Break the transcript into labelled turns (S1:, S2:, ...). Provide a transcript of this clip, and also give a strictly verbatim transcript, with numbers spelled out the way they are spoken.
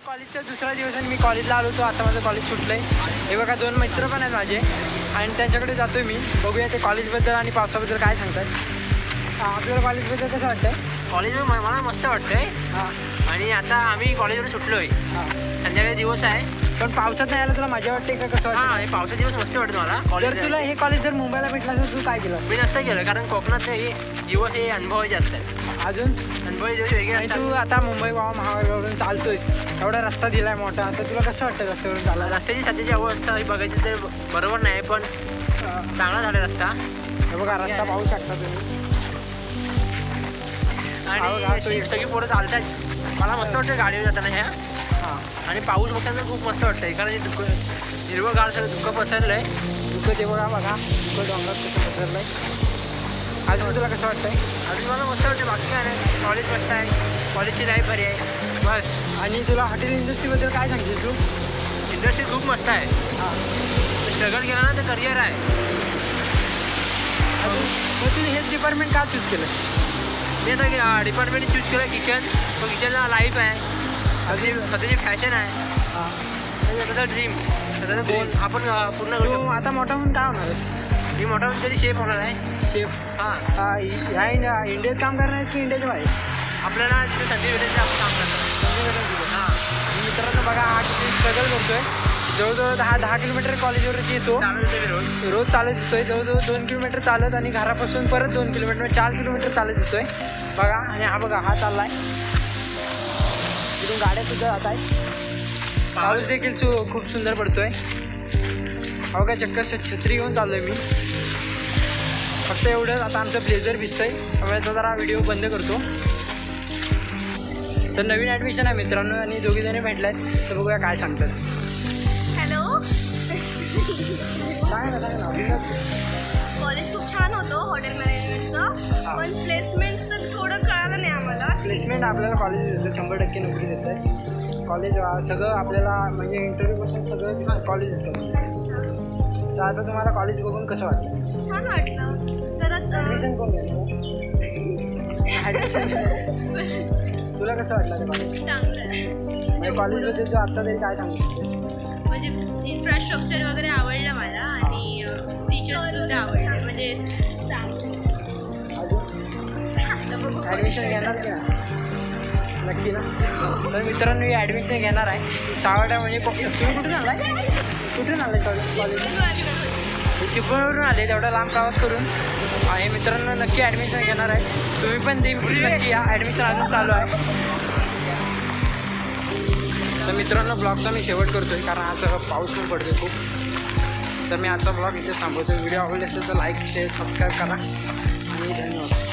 S1: कॉलेजचा दुसरा दिवस आणि मी कॉलेजला आलो होतो. आता माझं कॉलेज सुटलं आहे. हे बघा दोन मित्र पण आहेत माझे आणि त्यांच्याकडे जातो मी. बघूया ते कॉलेजबद्दल आणि पावसाबद्दल काय सांगतात. आपल्याला कॉलेजबद्दल कसं वाटतं?
S2: कॉलेज मला मस्त वाटतंय.
S1: हां.
S2: आणि आता आम्ही कॉलेजवरून सुटलो आहे.
S1: हां.
S2: संध्याकाळी दिवस आहे
S1: पण पावसात नाही आला तुला मजा वाटते का कसं
S2: हां.
S1: वाटतं?
S2: आणि पावसाचे दिवस मस्त वाटतं मला.
S1: जर
S2: कॉलेज
S1: तुला हे कॉलेज जर मुंबईला भेटलं असेल तू काय केलं?
S2: मी नसतं गेलं कारण कोकणात हे दिवस हे अनुभवायचे असतात.
S1: अजून
S2: अनुभवाचे दिवस वेगळे
S1: आणि
S2: असतात.
S1: तू आता मुंबई गोवा महामार्गावरून चालतोयस, एवढा रस्ता दिलाय मोठा, तर तुला कसं वाटतं रस्त्यावरून चालायला?
S2: रस्त्याची सध्याची अवस्था ही बघायची तर बरोबर नाही पण चांगला झाला रस्ता.
S1: हे बघा रस्ता पाहू शकता तुम्ही.
S2: आणि अशी सगळी पोरं चालतात. मला मस्त वाटतं गाडीवर जाताना ह्या.
S1: हां.
S2: आणि पाऊस बघताना खूप मस्त वाटतंय कारण हे धुकं हिरवंगार सगळं धुकं पसरलं आहे.
S1: दुःख ते बघा बघा दुःख डोंगरात कसं पसरलं आहे. अजून तुला कसं वाटतंय?
S2: अजून मला मस्त वाटतं. बाकी काय नाही, कॉलेज मस्त आहे, कॉलेजची लाईफ भारी आहे बस.
S1: आणि तुला हॉटेल इंडस्ट्रीबद्दल काय सांगशील तू?
S2: इंडस्ट्री खूप मस्त आहे.
S1: हां.
S2: स्ट्रगल केला ना तर करिअर आहे.
S1: अजून मग तुम्ही हेच डिपार्टमेंट का चूज केलं?
S2: मी आता डिपार्टमेंट चूज केलं किचन. तो किचनला लाईफ आहे, स्वतःची स्वतःची फॅशन आहे,
S1: हां.
S2: स्वतःचा ड्रीम, स्वतःचा गोल आपण पूर्ण करू
S1: तू
S2: शकतो.
S1: आता मोठा होऊन काय होणार आहेस?
S2: मी मोठा होऊन तरी शेफ होणार आहे.
S1: शेफ.
S2: हां.
S1: ह्या इंडिया इंडियात काम करणार आहेस की इंडियाच्या बाहेर?
S2: आपल्याला तिथे संधी भेटेल तर आपण काम करतो. हां.
S1: मित्रांनो बघा हा किती स्ट्रगल करतोय. जवळजवळ दहा दहा किलोमीटर कॉलेजवरती येतो.
S2: चालू येते मी रोज.
S1: रोज चालत येतोय. जवळजवळ दोन किलोमीटर चालत आणि घरापासून परत दोन किलोमीटर चार किलोमीटर चालत येतोय बघा. आणि हा बघा हा चाललाय. तिथून गाड्या सुद्धा जात आहेत. पाऊस देखील सु खूप सुंदर पडतोय. हो का चक्कर छत्री घेऊन चाललोय मी. फक्त एवढं आता आमचं ब्लेझर भिजतंय त्यामुळे तो जरा व्हिडिओ बंद करतो. तर नवीन ॲडमिशन आहे मित्रांनो आणि दोघी जणी भेटल्यात तर बघूया काय सांगतात.
S3: हॅलो.
S1: सांग ना सांग ना.
S3: कॉलेज खूप छान होतं हॉटेल मॅनेजमेंटचं, पण प्लेसमेंटचं थोडं कळालं नाही आम्हाला.
S1: प्लेसमेंट आपल्याला कॉलेज देतं, शंभर टक्के नोकरी देतं आहे कॉलेज. सगळं आपल्याला म्हणजे इंटरव्ह्यूपासून सगळं कॉलेजच करतं.
S3: अच्छा.
S1: तर आता तुम्हाला कॉलेज बघून कसं वाटतं?
S3: छान वाटलं जरा.
S1: ॲडमिशन कोण घेतलं? तुला कसं वाटलं ते कॉलेज?
S4: चांगलं आहे.
S1: म्हणजे कॉलेजबद्दल तू आत्ता तरी काय सांगू शकतेस?
S4: म्हणजे इन्फ्रास्ट्रक्चर वगैरे आवडलं मला आणि टीचर्ससुद्धा आवडले. म्हणजे चांगलं.
S1: अजून ॲडमिशन घेणार की ना? नक्की ना. तर मित्रांनो मी ॲडमिशन घेणार आहे. सावडा म्हणजे को- तुम्ही कुठून आला आहे? कुठून आला आहे कॉलेज? कॉलेज चिपळूणवरून आले तेवढा लांब प्रवास करून. आणि मित्रांनो नक्की ॲडमिशन घेणार आहे. तुम्ही पण ते नक्की या. ॲडमिशन अजून चालू आहे. तर मित्रांनो ब्लॉगचा मी शेवट करतो आहे कारण आज पाऊस पण पडतो आहे खूप. तर मी आजचा ब्लॉग इथेच थांबवतो. व्हिडिओ आवडले असेल तर लाईक शेअर सबस्क्राईब करा आणि धन्यवाद.